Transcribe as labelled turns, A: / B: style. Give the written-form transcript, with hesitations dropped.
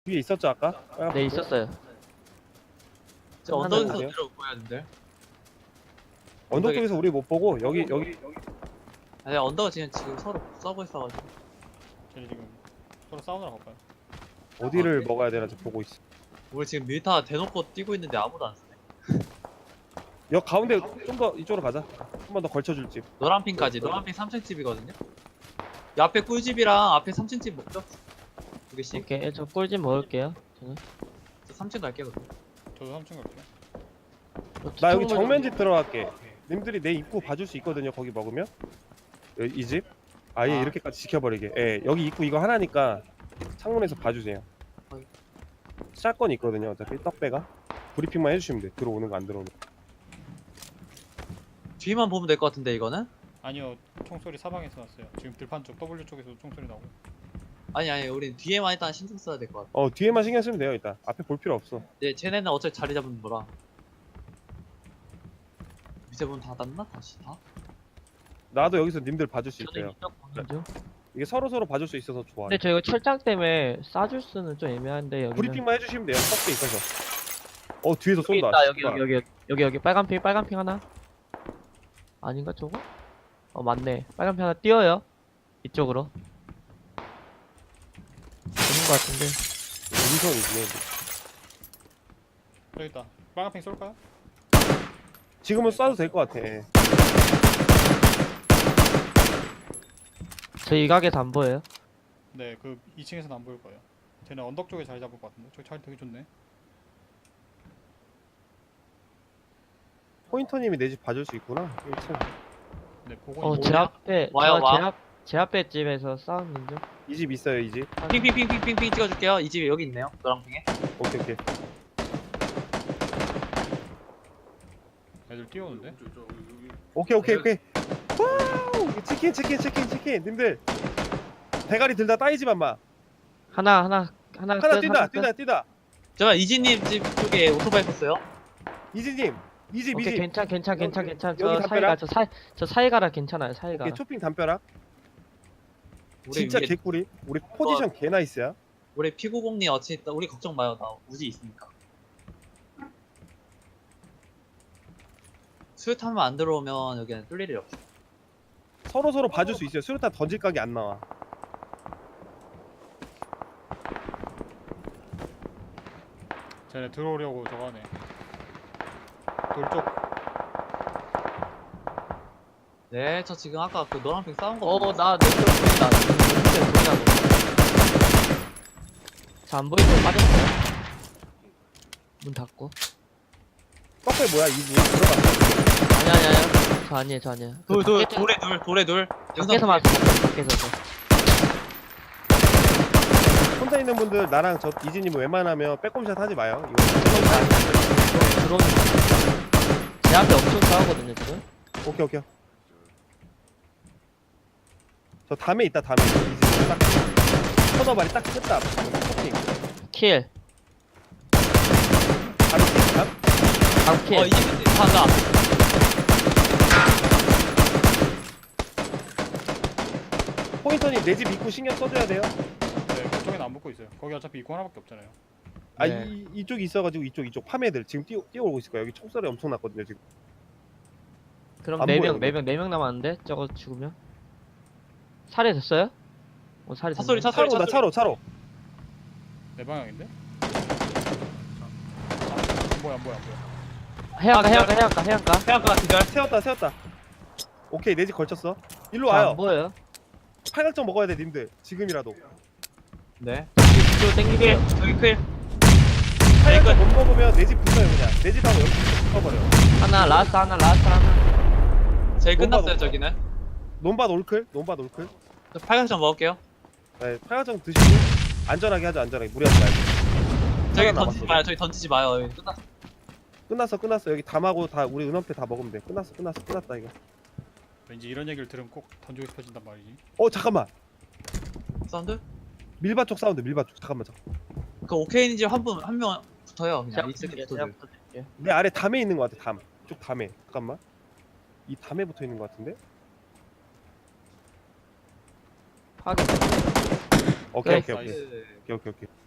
A: 위에 있었죠 아까?
B: 네 있었어요.
C: 저 언덕에서
A: 끝나면
C: 내려오고 해야 되는데.
A: 언덕 쪽에서 우리 못 보고 여기
C: 아니 언덕은 지금 서로 싸우고 있어가지고.
D: 쟤네 지금 서로 싸우느라 갈까요?
A: 어디를
C: 네.
A: 먹어야 되나 보고 있어.
C: 우리 지금 밀타 대놓고 뛰고 있는데 아무도 안 쓰네.
A: 여 가운데 좀 더 이쪽으로 가자. 한 번 더 걸쳐줄 집.
C: 노란핑까지. 노란핑 3층 집이거든요. 이 앞에 꿀집이랑 앞에 3층 집 먹죠? 두 개씩.
B: 오케이 저 꿀집 먹을게요. 저는.
C: 저 3층 갈게요. 그럼.
D: 저도 3층 갈게요.
A: 나 여기 정면집 들어갈게. 님들이 내 입구 봐줄 수 있거든요. 거기 먹으면 이 집. 아예
C: 아.
A: 이렇게까지 지켜버리게. 예, 여기 입구 이거 하나니까 창문에서 봐주세요.
C: 어이.
A: 샷건 있거든요. 어차피 떡배가 브리핑만 해주시면 돼. 들어오는 거 안 들어오는 거.
C: 뒤만 보면 될 것 같은데 이거는?
D: 아니요, 총소리 사방에서 났어요. 지금 들판 쪽 W 쪽에서 총소리 나고.
C: 아니 우린 뒤에만 일단 신경 써야 될 것 같아.
A: 뒤에만 신경 쓰면 돼요. 일단 앞에 볼 필요 없어.
C: 네, 쟤네는 어차피 자리 잡은 거라. 밑에 문 닫았나? 다시 다?
A: 나도 여기서 님들 봐줄 수
B: 저도
A: 있어요.
B: 이쪽 보는 중.
A: 이게 서로 봐줄 수 있어서 좋아.
B: 근데 저 이거 철장 때문에 쏴줄 수는 좀 애매한데 여기는.
A: 브리핑만 해주시면 돼요. 턱에 있어서. 뒤에서
B: 여기
A: 쏜다.
B: 있다. 여기
A: 씨발.
B: 여기 빨간 핑 하나. 아닌가 저거? 맞네. 빨간 핑 하나 띄어요. 이쪽으로. 되는 것 같은데.
A: 인선이네.
D: 저기 있다. 빨간팽 쏠까요?
A: 지금은 쏴도 될 것 같아. 예.
B: 저 이 가게에서 안 보여요.
D: 네, 그 2층에서는 안 보일 거예요. 쟤네 언덕 쪽에 자리 잡을 것 같은데. 저기 자리 되게 좋네.
A: 포인터님이 내 집 봐줄 수 있구나. 1층.
D: 네, 보고
B: 제 앞에
C: 와요, 와.
B: 제 앞에 집에서 싸우는 중.
A: 이 집 있어요, 이 집.
C: 핑핑핑핑핑 찍어줄게요. 이 집이 여기 있네요. 노랑핑에.
A: 오케이.
D: 애들 뛰어오는데.
A: 오케이. 와우! 치킨. 님들. 대가리 들다 따이지 마.
B: 하나
A: 하나
B: 끝,
A: 뛴다.
C: 제가 이진님 집 쪽에 오토바이 탔어요.
A: 이지님. 이 집.
B: 오케이 괜찮.
A: 여기
B: 저 사이가
A: 담벼락?
B: 저 사이가라 괜찮아요. 사이가.
A: 오케이, 쇼핑 담벼락.
C: 우리
A: 진짜
C: 위에,
A: 개꿀이. 우리 포지션 개 나이스야.
C: 우리 피구공님 어찌 있다. 우리 걱정 마요. 나 우지 있으니까. 수류탄만 안 들어오면 여기는 뚫릴 일 없어.
A: 서로 봐줄 수 있어요. 수류탄 던질 각이 안 나와.
D: 쟤네 들어오려고 저거 하네. 돌쪽.
C: 네, 저 지금 아까 그 노란핑 싸운 거.
B: 나 내쪽 보인다. 저안 보이고 빠졌어요. 문 닫고.
A: 떡배 뭐야, 이 집. 들어가.
B: 아니야. 저 아니에요.
C: 돌에 둘.
B: 밖에서 맞았어. 밖에서.
A: 혼자 있는 분들 나랑 저 이지님 웬만하면 빼꼼샷 하지 마요. 이거
B: 들어오는 제 앞에 엄청 싸우거든요 지금.
A: 오케이. 저 담에 있다. 이지님 딱 터너발이 딱 끄다. 토핑.
B: 킬.
A: 바로 담.
B: 킬.
C: 이진님 간다.
A: 포인터님 내 집 입구 신경 써줘야 돼요.
D: 네, 그쪽에는 안 붙고 있어요. 거기 어차피 입구 하나밖에 없잖아요.
B: 네.
A: 이쪽이 있어가지고 이쪽 파매들 지금 뛰어오고 있을 거야. 여기 총소리 엄청 났거든요 지금.
B: 그럼
A: 안
B: 4명
A: 보여,
B: 4명 남았는데 저거 죽으면 살해 됐어요? 살해
C: 차 소리,
B: 됐네.
C: 차 소리.
A: 차로.
D: 내 방향인데? 안 보여.
B: 해안가.
C: 해안가 기절.
A: 세웠다. 오케이 내 집 걸쳤어. 일로
B: 안
A: 와요.
B: 보여요?
A: 팔각정 먹어야 돼 님들. 지금이라도.
C: 네.
B: 이쪽으로 땡기세요.
C: 저기 클.
A: 팔각정 못 먹으면 내 집 붙어요 그냥. 내 집하고 여기 붙어버려.
B: 하나 라스트 하나.
C: 저희
A: 너무
C: 끝났어요
A: 많아.
C: 저기는.
A: 논밭 올클.
C: 저 팔각정 먹을게요.
A: 네, 팔각정 드시고 안전하게 하자. 무리하지 말고.
C: 저기
A: 하나
C: 던지지
A: 남았어.
C: 마요. 저기 던지지 마요. 여기 끝났어.
A: 끝났어. 여기 담하고 다 우리 은원패 다 먹으면 돼. 끝났다 이거.
D: 왠지 이런 얘기를 들으면 꼭 던지고 싶어진단 말이지.
A: 잠깐만.
C: 사운드?
A: 밀밭 쪽 사운드. 잠깐만.
C: 그 오케이니 집한 명 붙어요. 그냥 이 새끼 붙어요.
A: 내 아래 담에 있는 것 같아. 담. 이쪽 담에. 잠깐만. 이 담에 붙어 있는 것 같은데.
B: 확인.
A: 오케이.
D: 나이스.
A: 오케이.